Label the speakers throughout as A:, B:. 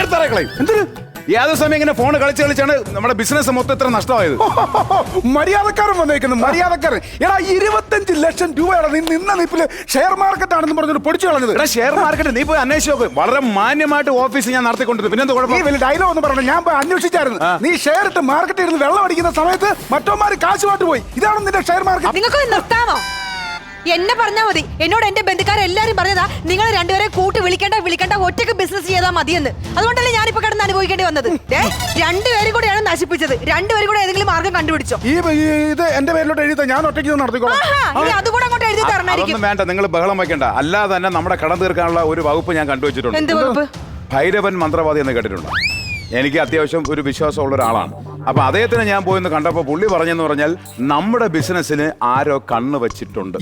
A: തറകളയും എന്തിന് യാതൊരു സമയം ഇങ്ങനെ ഫോൺ കളിച്ചാണ് നമ്മുടെ ബിസിനസ് മൊത്തം ഇത്ര നഷ്ടമായത്.
B: മര്യാദക്കാരൻ വന്നേക്കുന്നു, മര്യാദക്കാരൻ. എടാ 25 ലക്ഷം രൂപയാണ് നീ നിന്ന നിപ്പില് ഷെയർ മാർക്കറ്റ് ആണെന്ന് പറഞ്ഞിട്ട് പൊടിച്ചു കളഞ്ഞത്.
A: എടാ ഷെയർ മാർക്കറ്റ് നീ പോയി അന്വേഷിച്ച് നോക്ക്. വളരെ മാന്യമായിട്ട് ഓഫീസ് ഞാൻ നടത്തിക്കൊണ്ടിരുന്നു. പിന്നെ എന്താ കുഴപ്പം?
B: വലിയ ഡയലോഗ് ഒന്ന് പറഞ്ഞു. ഞാൻ പോയി അന്വേഷിച്ചായിരുന്നു. നീ ഷെയർ ഇട്ട് മാർക്കറ്റ് ഇരുന്ന് വെള്ളം അടിക്കുന്ന സമയത്ത് മറ്റോമാര് കാശുമായിട്ട് പോയി. ഇതാണ് നിന്റെ ഷെയർ മാർക്കറ്റ്.
C: നിങ്ങൾക്ക് നിർത്താമോ? എന്നെ പറഞ്ഞാൽ മതി. എന്നോട് എന്റെ ബന്ധുക്കാരെല്ലാരും പറഞ്ഞതാ നിങ്ങൾ രണ്ടുപേരെ കൂട്ടി വിളിക്കേണ്ട ഒറ്റയ്ക്ക് ബിസിനസ് ചെയ്താൽ മതിയെന്ന്. അതുകൊണ്ടല്ലേ ഞാനിപ്പോ കിടന്ന് അനുഭവിക്കേണ്ടി വന്നത്. രണ്ടുപേരും കൂടെയാണ് നശിപ്പിച്ചത്. രണ്ടുപേരും കൂടെ ഏതെങ്കിലും മാർഗം കണ്ടുപിടിച്ചോ?
B: ഇത് എന്റെ പേരിലോട്ട് എഴുതി ഞാൻ ഒറ്റയ്ക്ക് നടത്തിക്കോളാം.
C: അതുകൂടെ അങ്ങോട്ട് എഴുതി തരണമായിരിക്കും.
A: വേണ്ട, നിങ്ങൾ ബഹളം വയ്ക്കണ്ട. അല്ലാതെ തന്നെ നമ്മുടെ കടം തീർക്കാനുള്ള ഒരു വകുപ്പ് ഞാൻ കണ്ടുവച്ചിട്ടുണ്ട്.
C: എന്ത് വകുപ്പ്?
A: ഭൈരവൻ മന്ത്രവാദി എന്ന് കേട്ടിട്ടുണ്ട്. എനിക്ക് അത്യാവശ്യം ഒരു വിശ്വാസമുള്ള ഒരാളാണ്. അപ്പൊ അദ്ദേഹത്തിന് ഞാൻ പോയെന്ന് കണ്ടപ്പോ പുള്ളി പറഞ്ഞെന്ന് പറഞ്ഞാൽ നമ്മുടെ ബിസിനസ്സിന് ആരോ കണ്ണ് വെച്ചിട്ടുണ്ട്.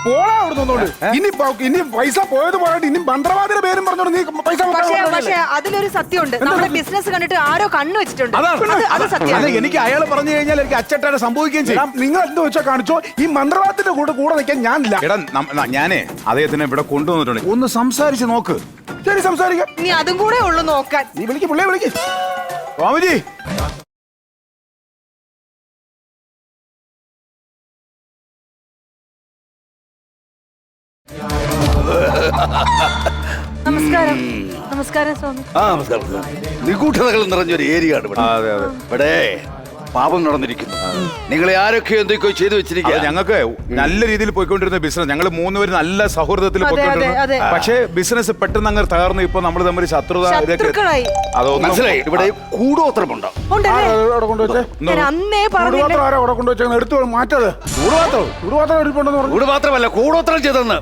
B: ഇനി പൈസ പോയത് പോയിട്ട് ഇനി മന്ത്രവാദിയുടെ പേരും പറഞ്ഞോണ്ട് നീ പൈസ.
C: പക്ഷേ അതിലൊരു സത്യമുണ്ട്. നമ്മുടെ ബിസിനസ് കണ്ടിട്ട് ആരോ കണ്ണ് വെച്ചിട്ടുണ്ട്. അത് സത്യമാണ്.
A: എനിക്ക് അയാൾ പറഞ്ഞു കഴിഞ്ഞാൽ എനിക്ക് അച്ചട്ടായിട്ട് സംഭവിക്കുകയും ചെയ്യും.
B: നിങ്ങൾ എന്ത് വെച്ചാൽ കാണിച്ചോ, ഈ മന്ത്രവാദത്തിന്റെ കൂടെ നിൽക്കാൻ ഞാനില്ല.
A: എടാ ഞാനേ അദ്ദേഹത്തിനെ ഇവിടെ കൊണ്ടുവന്നിട്ടുണ്ട്. ഒന്ന് സംസാരിച്ച് നോക്ക്.
B: ശരി, സംസാരിക്കാം.
C: നീ അതും കൂടെ ഉള്ളു നോക്കാൻ.
B: നീ വിളിക്ക്, പുള്ളിയെ വിളിക്ക്.
A: സ്വാമിജി,
C: നമസ്കാരം. നമസ്കാരം സ്വാമി.
D: നമസ്കാരം. നിഗൂഢതകൾ നിറഞ്ഞൊരു ഏരിയ ആണ് ഇവിടെ. പാപം നടന്നിരിക്കുന്നു. നിങ്ങളെ ആരൊക്കെയോ എന്തൊക്കെയോ ചെയ്തു വെച്ചിരിക്കുക.
A: ഞങ്ങൾക്ക് നല്ല രീതിയിൽ പോയിക്കൊണ്ടിരുന്ന ബിസിനസ്, ഞങ്ങൾ മൂന്നുപേരും നല്ല സൗഹൃദത്തിൽ പോയിക്കൊണ്ടിരുന്നു. പക്ഷേ ബിസിനസ് പെട്ടെന്ന് അങ്ങനെ തകർന്നു. ഇപ്പൊ നമ്മൾ തമ്മിൽ ശത്രുത
D: അതൊന്നും മനസ്സിലായി. ഇവിടെ കൂടോത്രമുണ്ടോ? കൂടുപാത്രമല്ല, കൂടോത്രം ചെയ്തെന്ന്.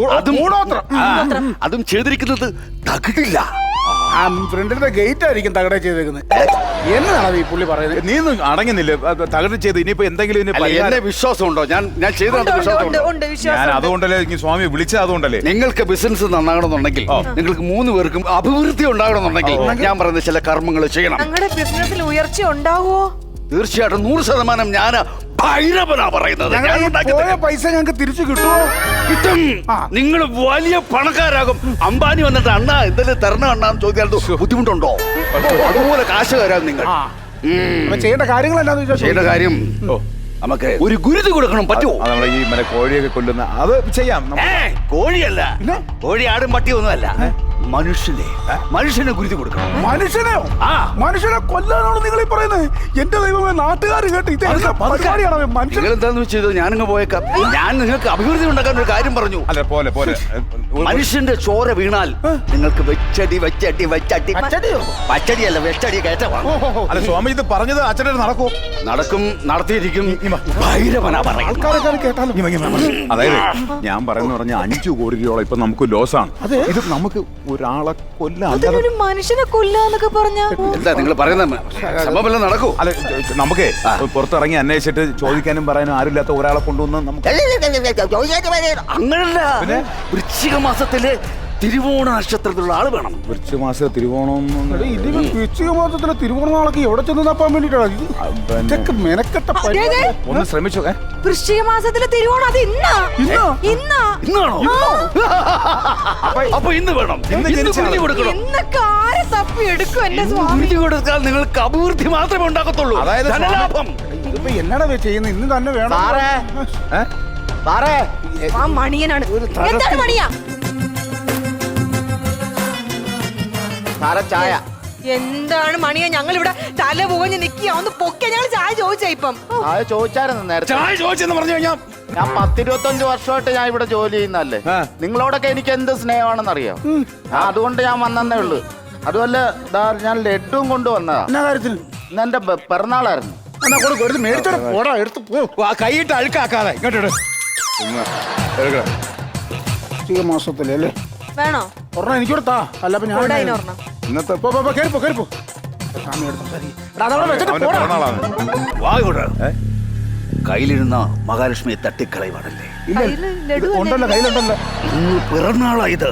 D: അതും ചെയ്തിരിക്കുന്നത് തകിടില്ല.
B: ഫ്രണ്ടിന്റെ ഗേറ്റ് ആയിരിക്കും തകട ചെയ്തേക്കുന്നത്. എന്നാണ് ഈ പുള്ളി പറയുന്നത്?
A: നീ ഒന്നും അടങ്ങുന്നില്ല. തകട ചെയ്ത് ഇനിയിപ്പോ എന്തെങ്കിലും
D: എന്നെ വിശ്വാസമുണ്ടോ? ഞാൻ ചെയ്തത്
A: ഞാൻ അതുകൊണ്ടല്ലേ സ്വാമി വിളിച്ചത്. അതുകൊണ്ടല്ലേ
D: നിങ്ങൾക്ക് ബിസിനസ് നന്നാകണമെന്നുണ്ടെങ്കിൽ, നിങ്ങൾക്ക് 3 പേർക്കും അഭിവൃദ്ധി ഉണ്ടാകണമെന്നുണ്ടെങ്കിൽ ഞാൻ പറയുന്ന ചില കർമ്മങ്ങൾ ചെയ്യണം.
C: ഞങ്ങളുടെ ബിസിനസ്സിൽ ഉയർച്ച ഉണ്ടാവുമോ?
D: തീർച്ചയായിട്ടും 100% ഞാൻ ഭൈരവനാ പറയുന്നത്.
B: പൈസ ഞങ്ങൾക്ക് തിരിച്ചു കിട്ടുമോ?
D: കിട്ടും. നിങ്ങൾ വലിയ പണക്കാരാകും. അംബാനി വന്നിട്ട് അണ്ണാ എന്തെങ്കിലും തരണം അണ്ണാന്ന് ചോദിക്കാൻ ബുദ്ധിമുട്ടുണ്ടോ? അതുപോലെ കാശുകാരാകും നിങ്ങൾ.
B: ചെയ്യേണ്ട കാര്യങ്ങൾ എന്താണെന്ന്
D: ചെയ്യേണ്ട കാര്യം നമുക്ക് ഒരു ഗുരുതി കൊടുക്കണം. പറ്റുമോ?
A: നമ്മുടെ ഈ കോഴിയൊക്കെ കൊല്ലുന്ന അത് ചെയ്യാം.
D: കോഴിയല്ല, കോഴി ആടും പട്ടിയൊന്നുമല്ല. മനുഷ്യനെ ഗുരുതി കൊടുക്കണം.
B: മനുഷ്യനെയോ? മനുഷ്യനെ കൊല്ലാനാണോ നിങ്ങൾ ഈ പറയുന്നത്? എന്റെ ദൈവമേ, നാട്ടുകാർ കേട്ട്
D: നിങ്ങൾ എന്താന്ന് ചെയ്തത്? ഞാനിങ്ങ് പോയേക്കാം. ഞാൻ നിങ്ങൾക്ക് അഭിവൃദ്ധി ഉണ്ടാക്കാൻ ഒരു കാര്യം പറഞ്ഞു.
A: അല്ല പോലെ
D: മനുഷ്യന്റെ ചോര വീണാൽ നിങ്ങൾക്ക് പച്ചടിയല്ല വെച്ചടി കയറ്റമാണ്.
A: അല്ല സ്വാമി, ഇത് പറഞ്ഞത് അച്ഛനെ നടക്കൂ?
D: നടക്കും, നടത്തിയിരിക്കും. ഭൈരവനാ
A: കേട്ടാലും. അതായത് ഞാൻ പറഞ്ഞ 5 കോടി രൂപ ഇപ്പൊ നമുക്ക് ലോസാണ്. ഇത് നമുക്ക് ഒരാളെ കൊല്ലാൻ,
C: മനുഷ്യനെ കൊല്ലാന്നൊക്കെ പറഞ്ഞ
D: എന്താ നിങ്ങൾ പറയുന്നത്? സംഭവം നടക്കൂ.
A: അല്ല നമുക്ക് പുറത്തിറങ്ങി അന്വേഷിച്ചിട്ട് ചോദിക്കാനും പറയാനും ആരുമില്ലാത്ത ഒരാളെ കൊണ്ടുവന്ന് നമുക്ക്
D: അങ്ങനല്ല. വൃശ്ചിക മാസത്തില് തിരുവോണ നക്ഷത്രത്തിലുള്ള ആള് വേണം.
A: വൃശ്ചിക മാസം തിരുവോണം.
B: വൃശ്ചിക മാസത്തിലെ തിരുവോണ നാളൊക്കെ എവിടെ ചെന്ന് തപ്പാൻ വേണ്ടിട്ടാണ് മെനക്കെട്ട.
A: ഒന്ന് ശ്രമിച്ചു.
C: വൃശ്ചിക മാസത്തിലെ തിരുവോണം അത്
D: ഇന്നാണോ? അപ്പൊ ഇന്ന് വേണം.
C: എന്നൊക്കെ ആരെ തപ്പി എടുക്കും എന്റെ സ്വാമി?
D: കൊടുത്താൽ നിങ്ങൾക്ക് അഭിവൃദ്ധി മാത്രമേ ഉണ്ടാക്കത്തുള്ളൂ.
A: അതായത്
D: ധനലാഭം.
B: ഇതിപ്പോ എന്നാടാ ചെയ്യുന്നത്? ഇന്ന് തന്നെ വേണം.
C: ആ മണിയനാണ്. എന്താണ് മണിയാ?
E: ചായ.
C: എന്താണ് മണിയാ? ഞങ്ങൾ ഇവിടെ തല പുകഞ്ഞ് നിക്കുക. ഒന്ന് പൊക്കെ ഞങ്ങൾ ചായ ചോദിച്ചാ ഇപ്പം.
E: ചായ ചോദിച്ചായിരുന്നു നേരത്തെ.
A: ചായ ചോദിച്ചെന്ന് പറഞ്ഞു കഴിഞ്ഞാൽ
E: ഞാൻ 10-25 വർഷമായിട്ട് ഞാൻ ഇവിടെ ജോലി ചെയ്യുന്നല്ലേ. നിങ്ങളോടൊക്കെ എനിക്ക് എന്ത് സ്നേഹമാണെന്ന് അറിയാം. അതുകൊണ്ട് ഞാൻ വന്നേ ഉള്ളു. അതുപോലെ ഞാൻ ലഡ്ഡും കൊണ്ടുവന്നതാ.
B: എന്നാ കാര്യത്തിൽ?
E: ഇന്ന് എന്റെ പിറന്നാളായിരുന്നു.
A: കൈയിട്ട് അഴുക്കാക്കാതെ ഇങ്ങോട്ട്.
B: മാസത്തിലല്ലേ
C: വേണോ?
B: ഒരെണ്ണം എനിക്കൂടെ താ. അല്ല ഇന്നത്തെ
D: കയ്യിലിരുന്ന മഹാലക്ഷ്മിയെ തട്ടിക്കളയുവാണല്ലേ?
B: ഉണ്ടല്ലോ, കയ്യിലുണ്ടല്ലോ.
D: ഇന്ന് പിറന്നാളാ ഇത്.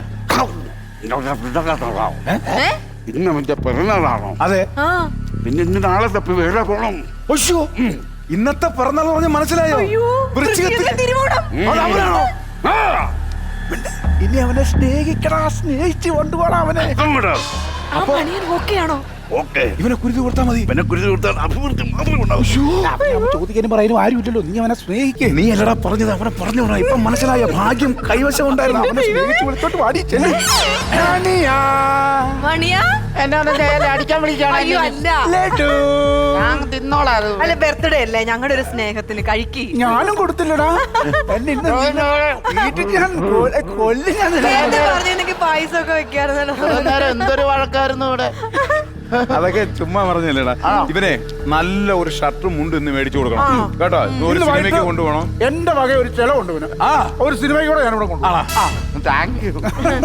D: ഇന്ന് അവന്റെ പിറന്നാളാണോ?
A: അതെ.
D: പിന്നെ ഇന്ന് നാളെ തപ്പി വേറെ പോണം.
A: ഇന്നത്തെ പിറന്നാൾ പറഞ്ഞ മനസ്സിലായോ?
C: തിരുവോണം.
B: ഇനി അവനെ സ്നേഹിക്കടാ, സ്നേഹിച്ച് കൊണ്ടുപോടാ അവനെ.
C: ആ മണിയൻ ഓക്കെയാണോ?
D: ഓക്കെ
A: ഇവനെ കുരുതി കൊടുത്താൽ മതി.
D: പിന്നെ കുരുതി കൊടുത്താൽ അഭിവൃദ്ധി മാത്രമേ ഉണ്ടാവൂ.
B: ചോദിക്കാനും പറയാനും ആരും ഇല്ലല്ലോ, നീ അവനെ സ്നേഹിക്കേ.
A: നീ അല്ലടാ പറഞ്ഞത്, അവനെ പറഞ്ഞോടാ. ഇപ്പൊ മനസ്സിലായ ഭാഗ്യം കൈവശം ഉണ്ടായിരുന്നു.
B: അവനെ സ്നേഹിച്ച് വിളിച്ചോട്ട് വാടി ചെല്ല്. മണിയാ.
C: മണിയാ?
E: എന്നെ ഒന്ന് നേരെ അടിക്കാൻ
C: അയ്യോ
E: വിളിക്കാണ്.
C: അല്ല,
B: ലഡു.
E: ഞാൻ തിന്നോളാം അത്.
C: അല്ല ബർത്ത്ഡേ അല്ലേ, ഞങ്ങളുടെ ഒരു സ്നേഹത്തിന് കഴിക്കി.
B: ഞാനും കൊടുത്തില്ലടാ. എന്നെ ഇന്ന് വീട്ടിൽ ഞാൻ കൊല്ലി ഞാൻ
C: പറഞ്ഞെങ്കിൽ പായസം ഒക്കെ വെക്കാറുണ്ടല്ലോ.
E: നേരം എന്തൊരു വഴക്കായിരുന്നു ഇവിടെ.
A: അതൊക്കെ ചുമ്മാ പറഞ്ഞല്ലേടാ. ഇവനെ നല്ല ഒരു ഷർട്ടും മുണ്ടും ഇന്ന് മേടിച്ചു കൊടുക്കണം കേട്ടോ. ഒരു സിനിമയ്ക്ക് കൊണ്ടുപോകണം.
B: എന്റെ വക ഒരു ചെലവുണ്ട് പിന്നെ. ഒരു സിനിമയ്ക്ക് കൂടെ ഞാൻ ഇവിടെ കൊണ്ടുപോകാം.
E: Thank you.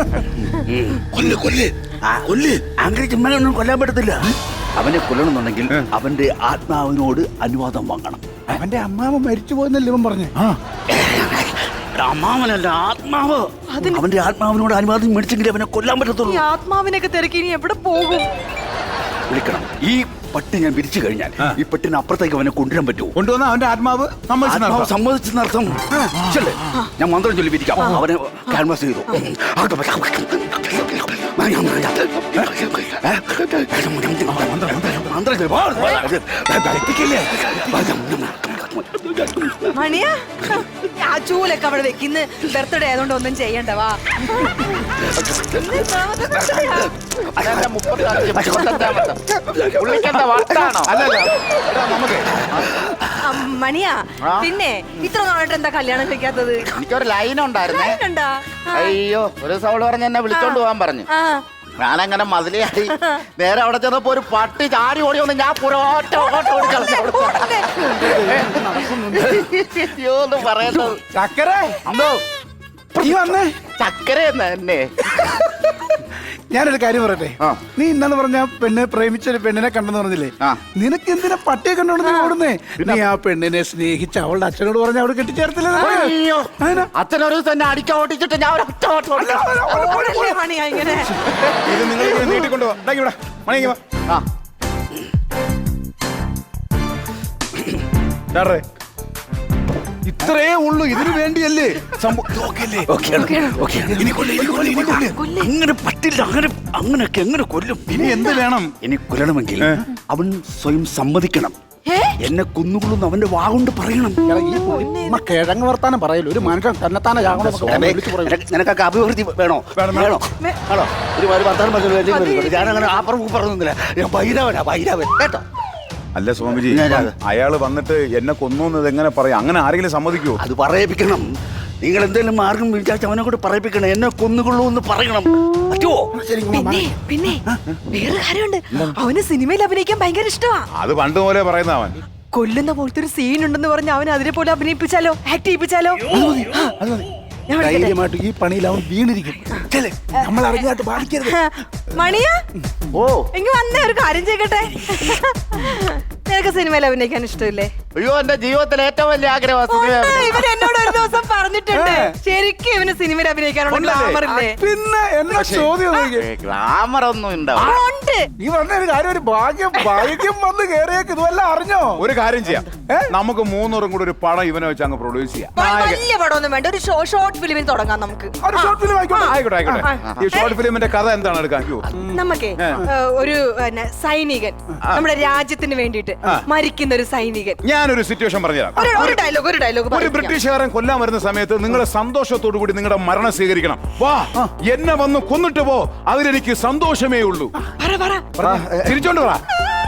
D: കൊല്ല് അങ്ങനെ ചുമ്മാനൊന്നും കൊല്ലാൻ പറ്റത്തില്ല. അവനെ കൊല്ലണമെന്നുണ്ടെങ്കിൽ അവന്റെ ആത്മാവിനോട് അനുവാദം വാങ്ങണം.
B: അവന്റെ അമ്മാവ മരിച്ചു പോയെന്നല്ലേ ഇവൻ പറഞ്ഞു.
D: അമ്മാവനല്ല, ആത്മാവ്. അവന്റെ ആത്മാവിനോട് അനുവാദം മേടിച്ചെങ്കിൽ അവനെ കൊല്ലാൻ പറ്റത്തുള്ളൂ.
C: ഈ ആത്മാവിനൊക്കെ തിരക്കി ഇനി എവിടെ പോകും?
D: വിളിക്കണം. ഈ പട്ടി ഞാൻ വിരിച്ചു കഴിഞ്ഞാൽ ഈ പട്ടിന് അപ്പുറത്തേക്ക് അവനെ കൊണ്ടുവരാൻ പറ്റുമോ?
A: കൊണ്ടുവന്ന അവന്റെ ആത്മാവ്
D: ആത്മാവ് സമ്മതിച്ചെന്നർത്ഥം. ചെല്ലേ, ഞാൻ മന്ത്രം ചൊല്ലി വിരിക്കാം. അവനെ ക്യാൻവാസ് ചെയ്തു.
C: മണിയാ, ആ ചൂലൊക്കെ അവിടെ വെക്കുന്ന ബർത്ത്ഡേ ആയതുകൊണ്ട് ഒന്നും ചെയ്യണ്ട. വാ.
E: അതെന്റെ 35 പുള്ളിക്കെന്താ വട്ടാണോ?
C: മണിയാ, പിന്നെ ഇത്ര നാളായിട്ട് എന്താ കല്യാണം കഴിക്കാത്തത്?
E: എനിക്കൊരു ലൈൻ ഉണ്ടായിരുന്നേ.
C: കണ്ടാ?
E: അയ്യോ, ഒരു സൗള് പറഞ്ഞ് എന്നെ വിളിച്ചോണ്ട് പോകാൻ പറഞ്ഞു.
C: ആ.
E: ഞാനങ്ങനെ മതിലിയായി നേരെ അവിടെ ചെന്നപ്പോ ഒരു പട്ടി ചാടി ഓടി വന്ന് ഞാൻ പുറോട്ട അയ്യോ എന്ന് പറയുന്നത്.
B: ചക്കര
E: എന്തോ
B: നീ വന്നേ.
E: ചക്കര എന്നെ
B: ഞാനൊരു കാര്യം പറയട്ടെ. നീ ഇന്നെന്ന് പറഞ്ഞ പെണ്ണ് പ്രേമിച്ചൊരു പെണ്ണിനെ കണ്ടെന്ന് പറഞ്ഞില്ലേ? നിനക്ക് എന്തിനാ പട്ടിയെ കണ്ടോണ്ട് നീ ഓടുന്നേ? നീ ആ പെണ്ണിനെ സ്നേഹിച്ച് അവളുടെ അച്ഛനോട് പറഞ്ഞ അവിടെ കെട്ടിച്ചേർത്തില്ലേ?
E: അയ്യോ, അച്ഛനൊരു തന്നെ അടിക്കാൻ ഓടിച്ചിട്ട് ഞാൻ ഒരു ഒറ്റ ഓട്ടം ഓടിച്ചു.
C: ഓടല്ലേ മണിയാ ഇങ്ങനെ?
A: ഇത് നിങ്ങൾ നീട്ടിക്കൊണ്ടുപോവാ. മണിക്ക് വാ. ഇത്രേ ഉള്ളൂ, ഇതിനു വേണ്ടിയല്ലേ
D: അങ്ങനെ പറ്റില്ല. അങ്ങനെയൊക്കെ എങ്ങനെ കൊല്ലും?
A: ഇനി എന്ത് വേണം?
D: ഇനി കൊല്ലണമെങ്കിൽ അവൻ സ്വയം സമ്മതിക്കണം. എന്നെ കൊന്നുകൊള്ളുന്നു അവന്റെ വാഗൊണ്ട് പറയണം.
B: കിഴങ്ങ് വർത്താനം പറയല്ലോ. ഒരു മനുഷ്യൻ തന്നെത്താനെ
D: നിനക്കൊക്കെ അഭിവൃദ്ധി വേണോ? വേണോ? ആണോ? ഒരു വർത്താനം പറഞ്ഞു. ഞാനങ്ങനെ അപ്പുറം പറഞ്ഞില്ല. ഞാൻ ഭൈരവൻ കേട്ടോ.
A: അല്ല സ്വാമിജി, അയാള് വന്നിട്ട് എന്നെ കൊന്നത് എങ്ങനെ പറയാം? അങ്ങനെ ആരെങ്കിലും സമ്മതിക്കുമോ?
D: അത് പറയിപ്പിക്കണം. നിങ്ങൾ എന്തെങ്കിലും മാർഗം വിചാരിച്ച് അവനെ കൂടെ പറയിപ്പിക്കണം. എന്നെ കൊന്നുകൊള്ളൂ എന്ന് പറയണം. പറ്റുമോ?
C: പിന്നെ വേറെ കാര്യമുണ്ട്. അവന് സിനിമയിൽ അഭിനയിക്കാൻ ഭയങ്കര ഇഷ്ടമാ.
A: അത് പണ്ട് പോലെ പറയുന്ന അവൻ
C: കൊല്ലുന്ന പോലത്തെ ഒരു സീൻ ഉണ്ടെന്ന് പറഞ്ഞ് അവൻ അതിനെ പോലെ അഭിനയിപ്പിച്ചാലോ, ആക്ട് ചെയ്യിപ്പിച്ചാലോ?
B: ധൈര്യമായിട്ട് ഈ പണിയിൽ അവൻ വീണിരിക്കും. നമ്മൾ അറിഞ്ഞായിട്ട് ബാധിക്കരുത്.
C: മണിയാ,
E: ഓ
C: എങ്കിൽ വന്നേ ഒരു കാര്യം ചെയ്യട്ടെ. നിനക്ക് സിനിമയിൽ അഭിനയിക്കാൻ ഇഷ്ടമില്ലേ?
E: അയ്യോ, എന്റെ ജീവിതത്തിലെ ഏറ്റവും വലിയ ആഗ്രഹം.
C: ഇവൻ എന്നോട് ഒരു ദിവസം പറഞ്ഞിട്ടുണ്ട്. ശരിക്കും ഇവന് സിനിമയിൽ അഭിനയിക്കാനുള്ള ഗ്ലാമർ ഇല്ലേ?
B: പിന്നെ എന്നാ ചോദ്യം?
E: ഗ്ലാമർ ഒന്നും ഉണ്ടാവും.
C: ഉണ്ട്.
B: ഈ പറഞ്ഞ ഒരു കാര്യം, ഒരു ഭാഗ്യം വന്ന് കേറിയേക്ക് ഇതുവല്ല അറിഞ്ഞോ?
A: ഒരു കാര്യം ചെയ്യാം, നമുക്ക് മൂന്നൂറും കൂടെ ഒരു പടം ഇവനെ വെച്ച് അങ്ങ് പ്രൊഡ്യൂസ് ചെയ്യാം.
C: വലിയ പടമൊന്നും വേണ്ട, ഒരു ഷോർട്ട് ഫിലിമിൽ തുടങ്ങാം നമുക്ക്.
B: ഒരു ഷോർട്ട് ഫിലിം
A: ആയിക്കോട്ടെ. ഈ ഷോർട്ട് ഫിലിമിന്റെ കഥ എന്താണ് എടുക്കാൻ?
C: നമുക്കേ ഒരു സൈനികൻ നമ്മുടെ രാജ്യത്തിന് വേണ്ടിയിട്ട് മരിക്കുന്ന ഒരു സൈനികൻ.
A: ഞാനൊരു സിറ്റുവേഷൻ പറഞ്ഞുതരാം.
C: ഒരു ഡയലോഗ്
A: ഒരു ബ്രിട്ടീഷുകാരൻ കൊല്ലാൻ വരുന്ന സമയത്ത് നിങ്ങളെ സന്തോഷത്തോടു കൂടി നിങ്ങളുടെ മരണം സ്വീകരിക്കണം. വാ, എന്നെ വന്ന് കൊന്നിട്ട് പോ, അതിലെനിക്ക് സന്തോഷമേ ഉള്ളൂ. തിരിച്ചോണ്ട് പറ.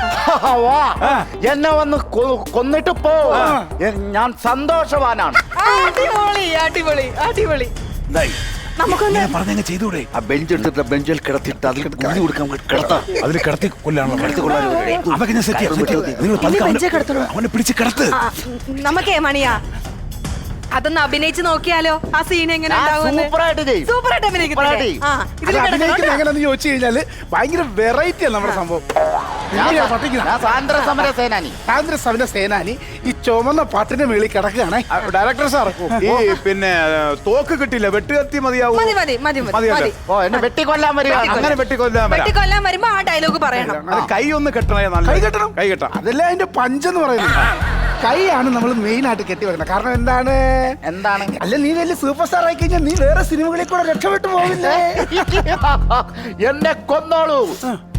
E: എന്നെ വന്ന് കൊന്നിട്ട് പോ, ഞാൻ സന്തോഷവാനാണ്.
C: അടിപൊളി. നമുക്കൊന്ന്
A: പറഞ്ഞ ചെയ്തൂടെ?
D: ആ ബെഞ്ച് എടുത്തിട്ട് ബെഞ്ചിൽ കിടത്തിട്ട് അതിൽ കുഞ്ഞു കൊടുക്കാൻ കിടത്താം.
A: അതിൽ കിടത്തി കൊല്ലാണല്ലോ. അതൊക്കെ ഞാൻ സെറ്റ് ചെയ്യാം. അവനെ പിടിച്ച് കിടത്ത്.
C: നമുക്കേ മണിയാ അതൊന്ന് അഭിനയിച്ച് നോക്കിയാലോ? ആ സീൻ എങ്ങനെ സൂപ്പറായിട്ട് അഭിനയിക്കുന്നത്
B: എങ്ങനെയാന്ന് ചോദിച്ചു കഴിഞ്ഞാല് ഭയങ്കര വെറൈറ്റിയാണ് നമ്മുടെ സംഭവം.
E: സ്വാതന്ത്ര്യ സമര സേനാനി.
B: സ്വാതന്ത്ര്യ സമര സേനാനി ഈ ചുമന്ന പാട്ടിന്റെ മേളിൽ കിടക്കുകയാണേ.
A: ഡയറക്ടർ സാർ, ഈ പിന്നെ തോക്ക് കിട്ടില്ല, വെട്ടുകത്തി മതിയാവും.
E: ഓ, എന്നെ വെട്ടിക്കൊല്ലാൻ വരിക.
A: അങ്ങനെ
C: വെട്ടിക്കൊല്ലാൻ വരുമ്പോ ആ ഡയലോഗ് പറയണം.
A: കൈ ഒന്ന് കെട്ടണേ. കൈ കെട്ടണം.
B: അതല്ല അതിന്റെ പഞ്ചെന്ന് പറയുന്നത്. കൈയാണ് നമ്മൾ മെയിൻ ആയിട്ട് കെട്ടി വെക്കണം. കാരണം എന്താണ്? അല്ല, നീ വലിയ സൂപ്പർ സ്റ്റാർ ആയി കഴിഞ്ഞാൽ നീ വേറെ സിനിമകളിൽ കൂടെ രക്ഷപ്പെട്ടു പോവില്ലേ?
E: എന്നെ കൊന്നോളൂ,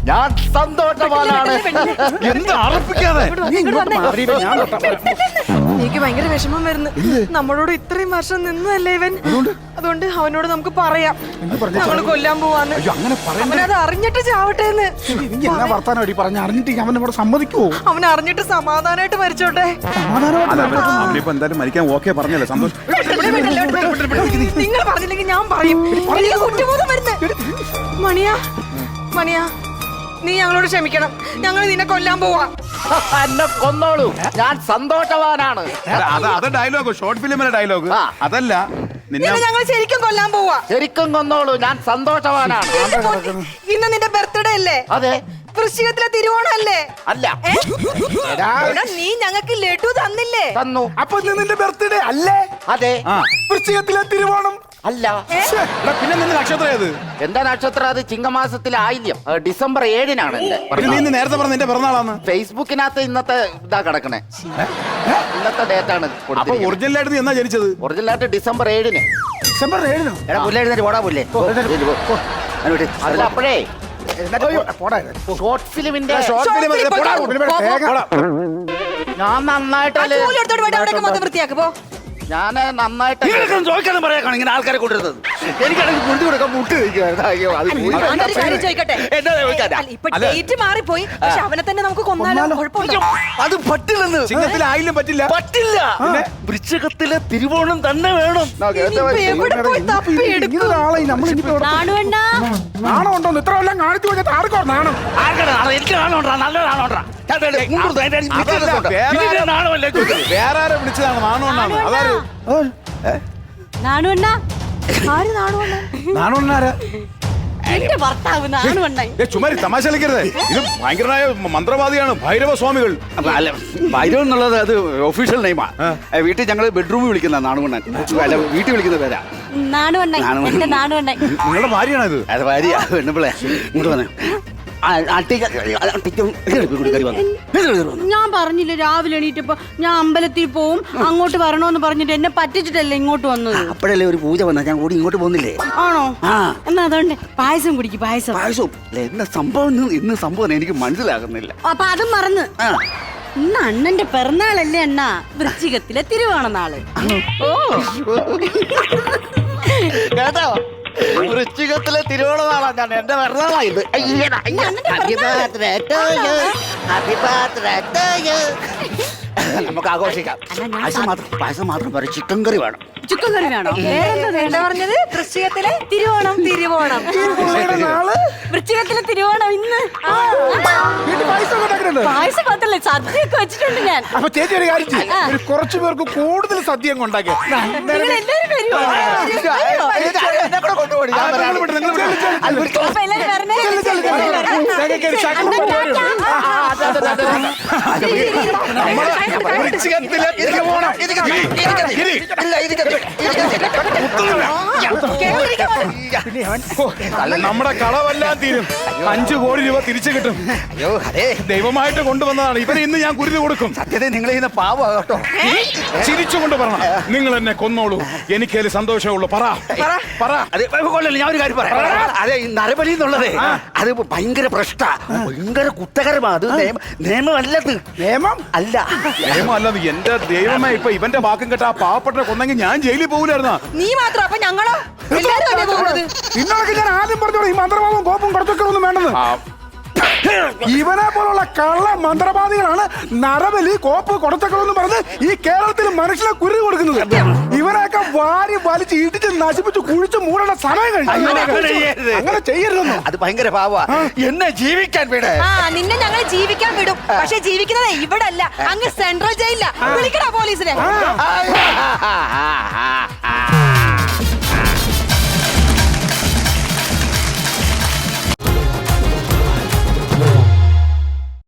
E: ഞാൻ സന്തോഷവാനാണ്.
D: എന്ത് അറപ്പിക്കാതെ
B: നീ ഇങ്ങോട്ട് മാറി, ഞാൻ തൊട്ടാ.
C: എനിക്ക് ഭയങ്കര വിഷമം വരുന്നു. നമ്മളോട് ഇത്രയും വർഷം നിന്നല്ലേ ഇവൻ. അതുകൊണ്ട് അവനോട് നമുക്ക് പറയാം ഞങ്ങൾ കൊല്ലാൻ പോവാന്ന്.
B: അങ്ങനെ പറയാൻ
C: അവനത് അറിഞ്ഞിട്ട് ചാവട്ടെ എന്ന്.
B: നീ എന്നാ വർത്താനം അടി പറഞ്ഞ അറിഞ്ഞിട്ട് അവൻ ഇവിടെ സമ്മതിക്കുവോ?
C: അവൻ അറിഞ്ഞിട്ട് സമാധാനമായിട്ട് മരിച്ചോട്ടെ.
A: അവനിപ്പോ എന്തായാലും മരിക്കാൻ ഓക്കെ പറഞ്ഞല്ലേ, സന്തോഷം.
C: നിങ്ങൾ പറഞ്ഞില്ലെങ്കിൽ ഞാൻ പറയും. എനിക്ക് കുറ്റബോധം വരുന്നു. മണിയാ മണിയാ, നീ ഞങ്ങളോട് ക്ഷമിക്കണം. ഞങ്ങൾ നിന്നെ കൊല്ലാൻ പോവാ.
E: എന്നെ കൊന്നോളൂ, ഞാൻ സന്തോഷവാനാണ്.
A: അത് ഡയലോഗ്, ഷോർട്ട് ഫിലിമിലെ ഡയലോഗ്.
E: ആ.
A: അതല്ല നിന്നെ
C: നിന്നെ ഞങ്ങൾ ശരിക്കും കൊല്ലാൻ പോവാ.
E: ശരിക്കും കൊന്നോളൂ, ഞാൻ സന്തോഷവാനാണ്.
C: ഇന്ന് നിന്റെ ബർത്ത്ഡേ അല്ലേ?
E: അതെ.
C: വൃശ്ചികത്തിലെ തിരുവോണല്ലേ?
E: അല്ല.
C: ഏ? എടാ, നീ ഞങ്ങൾക്ക് ലഡു തന്നില്ലേ?
E: തന്നു.
B: അപ്പൊ ഇന്ന് നിന്റെ ബർത്ത്ഡേ അല്ലേ?
E: അതെ.
B: വൃശ്ചികത്തിലെ തിരുവോണം
E: അല്ല.
A: പിന്നെ നിന്റെ നക്ഷത്രം ഏത്?
E: എന്റെ നക്ഷത്രം അത് ചിങ്ങമാസത്തിലെ ആയില്യം. December 7-നാണ് എന്റെ
A: പിന്നെ നീ ഇന്ന് നേരത്തെ പറഞ്ഞ നിന്റെ പിറന്നാളാന്ന്.
E: ഫേസ്ബുക്കിനകത്ത് ഇന്നത്തെ ഇതാ കിടക്കണേ. ഇന്നത്തെ ഡേറ്റ് ആണ്.
A: അപ്പൊ ഒറിജിനലായിട്ട് നീ എന്നാ ജനിച്ചത്?
E: ഒറിജിനലായിട്ട് December 7-ന്.
B: ഡിസംബർ 7-നോ?
E: എടാ പുല്ലെഴുന്നേറ്റ് ഓടാ പുല്ലേ. അതിൽ അപ്പോഴേ
B: പോടാ.
E: ഷോർട്ട് ഫിലിമിന്റെ
C: ഷോർട്ട് ഫിലിം
B: പിന്നെ
E: ഞാൻ നന്നായിട്ടല്ലേ
C: ജോലി എടുത്തോട്ട് പോയിട്ട് അവിടെയൊക്കെ മൊത്തം വൃത്തിയാക്ക് പോ.
E: ഞാൻ നന്നായിട്ട്
D: നിങ്ങൾക്കൊന്നും ചോദിക്കാനും പറയാനാണ് ഇങ്ങനെ ആൾക്കാരെ കൊണ്ടുവരുന്നത്. എനിക്കാണെങ്കിൽ കുറിച്ച് കൊടുക്കാൻ മുട്ട് കഴിക്കുവായിരുന്നു. അയ്യോ, അത് പോയി.
C: ഞാനൊരു കാര്യം ചോദിക്കട്ടെ.
D: എന്നാ ചോദിക്കാനാ?
C: അല്ല, ഇപ്പൊ ഡേറ്റ് മാറിപ്പോയി. പക്ഷെ അവനെ തന്നെ നമുക്ക് കൊന്നാലോ? കുഴപ്പമുണ്ടോ?
D: അത് പറ്റില്ലെന്ന്.
A: ചിങ്ങത്തിൽ ആയില്യം പറ്റില്ല.
D: പറ്റില്ല. വൃശ്ചികത്തിലെ തിരുവോണം തന്നെ വേണം.
C: ഇനിയിപ്പോ എവിടെ പോയി തപ്പിയെടുക്കും?
B: ഇങ്ങനെ ആളെ നമ്മൾ ഇനിയിപ്പോ നാണം ഉണ്ടോന്ന് ഇത്ര എല്ലാം കാണിച്ചു കഴിഞ്ഞാൽ ആർക്കോ നാണം.
D: ആർക്കാണ് നാണം? എനിക്ക് നാണോണ്ടാ, നല്ല നാണോണ്ടാ. നാണമല്ലേ
A: വേറെ ആരെ വിളിച്ചതാണ് നാണോണ്ടാണ്. അതാര്?
C: നാണുവണ്ണ? ആര് നാണുവണ്ണ?
A: നാണോണ്ടാരാ?
C: എന്റെ ഭർത്താവ് നാണുവണ്ണായി.
A: ചുമ്മാരി തമാശ കളിക്കരുത്. ഇത് ഭയങ്കരമായ മന്ത്രവാദിയാണ്, ഭൈരവ സ്വാമികൾ.
D: അല്ല, ഭൈരവൻ എന്നുള്ളത് അത് ഒഫീഷ്യൽ നെയിമാ. വീട്ടിൽ ഞങ്ങൾ ബെഡ്റൂമിൽ വിളിക്കുന്ന നാണുവണ്ണൻ. അല്ല, വീട്ടിൽ വിളിക്കുന്ന പേരാ
C: നാണുവണ്ണായി. എന്റെ നാണുവണ്ണായി.
A: നിങ്ങളുടെ ഭാര്യയാണ് ഇത്?
D: അത് ഭാര്യ പെണ്ണുപിള്ളേ. ഇങ്ങോട്ട് വന്നേ.
F: ഞാൻ പറഞ്ഞില്ല, രാവിലെ എണീറ്റപ്പോ ഞാൻ അമ്പലത്തിൽ പോവും, അങ്ങോട്ട് വരണോന്ന് പറഞ്ഞിട്ട് എന്നെ പറ്റിച്ചിട്ടല്ലേ ഇങ്ങോട്ട് വന്നത്.
D: അപ്പോഴല്ലേ ഒരു പൂജ വന്നാ ഞാൻ കൂടി ഇങ്ങോട്ട് പോകുന്നില്ലേ?
F: ആണോ?
D: ആ.
F: എന്നാ അതുകൊണ്ട് പായസം കുടിക്കും. പായസം
D: പായസവും എന്താ സംഭവം? ഇന്ന് സംഭവം എനിക്ക് മനസ്സിലാകുന്നില്ല.
F: അപ്പൊ അതും മറന്ന്.
D: ആ.
F: ഇന്ന് അണ്ണന്റെ പിറന്നാളല്ലേ അണ്ണാ? വൃശ്ചികത്തിലെ തിരുവോണ നാള്. ഓ,
E: കേട്ടോ? വൃശ്ചികത്തിലെ തിരുവോണമാണ് ഞാൻ. എന്റെ പിറന്നാളായത്.
D: നമുക്ക് ആഘോഷിക്കാം. പായസം മാത്രം പറയും. ചിക്കൻ കറി വേണം.
F: ചിക്കൻ കറി വേണോ?
C: എന്താ പറഞ്ഞത്? വൃശ്ചികത്തിലെ
F: തിരുവോണം.
C: തിരുവോണം.
F: വൃശ്ചികത്തിലെ തിരുവോണം ഇന്ന്.
B: വീട്ടിൽ പൈസ ഉണ്ടാക്കുന്നുണ്ട്.
F: പായസം മാത്രല്ലേ, സദ്യയൊക്കെ വെച്ചിട്ടുണ്ട് ഞാൻ.
B: അപ്പൊ ചേച്ചി ഒരു കാര്യം ചെയ്യ്. ഒരു കുറച്ചു പേർക്ക് കൂടുതൽ സദ്യ അങ്ങ് ഉണ്ടാക്കി.
F: നിങ്ങൾ എല്ലാവരും വരുമോ?
E: എന്നെ കൂടെ കൊണ്ടുപോയി. ഞാൻ വരാം.
F: അപ്പൊ എല്ലാവരും വരണേ.
A: വൃശ്ചികത്തിലെ തിരുവോണം. നമ്മുടെ കളവെല്ലാം തീരും. 5 കോടി രൂപ തിരിച്ചു കിട്ടും.
D: അയ്യോ, അതെ.
A: ദൈവമായിട്ട് കൊണ്ടുവന്നതാണ്. ഇവരെ ഇന്ന് ഞാൻ കുരുതി കൊടുക്കും.
D: സത്യത്തിൽ നിങ്ങൾ ചെയ്യുന്ന പാവം കേട്ടോ.
A: ചിരിച്ചുകൊണ്ട് പറയണം, നിങ്ങൾ എന്നെ കൊന്നോളൂ, എനിക്കതിൽ സന്തോഷമുള്ളൂ. പറ.
D: അതെ, കൊള്ളല്ലേ, ഞാൻ ഒരു കാര്യം പറയാം. അതെ, ഈ നരബലി എന്നുള്ളത് അത് ഭയങ്കര പ്രശ്ന, ഭയങ്കര കുറ്റകരമാണ്. അത് നിയമമല്ലത്.
B: നിയമം
D: അല്ല.
A: ദൈവമല്ലെന്ന് എന്റെ ദൈവമേ. ഇപ്പൊ ഇവന്റെ വാക്കും കേട്ട ആ പാവപ്പെട്ട കൊന്നെങ്കിൽ ഞാൻ ജയിലിൽ പോകില്ലായിരുന്നാ?
C: നീ മാത്രം. അപ്പൊ ഞങ്ങളോ? എല്ലാരും അല്ലേ പോകുന്നത്?
B: ഇന്നൊക്കെ ഞാൻ ആദ്യം പറഞ്ഞോളൂ, ഈ മന്ത്രവാദവും കോപ്പും കുറച്ചൊക്കെ ഒന്നും വേണ്ടെന്ന്. ഇവനെ പോലുള്ള കള്ള മന്ത്രവാദികളാണ് നരബലി, കോപ്പ്, കൊടുത്തക്കളെന്ന് പറഞ്ഞ് ഈ കേരളത്തിൽ മനുഷ്യനെ കുരുതി കൊടുക്കുന്നത്. ഇവരെയൊക്കെ വാരി വലിച്ച് ഇടിച്ച് നശിപ്പിച്ച് കുഴിച്ച് മൂടേണ്ട സമയം കഴിഞ്ഞു. അങ്ങനെ ചെയ്യരുതെന്നോ?
D: അത് ഭയങ്കര പാവ. എന്നെ ജീവിക്കാൻ വിട.
C: ആ, നിന്നെ ഞങ്ങൾ ജീവിക്കാൻ വിടും. പക്ഷെ ജീവിക്കുന്നത് ഇവിടെ അല്ല, അങ്ങ് സെൻട്രൽ ജയിലില്ല. വിളിക്കടാ പോലീസിനെ.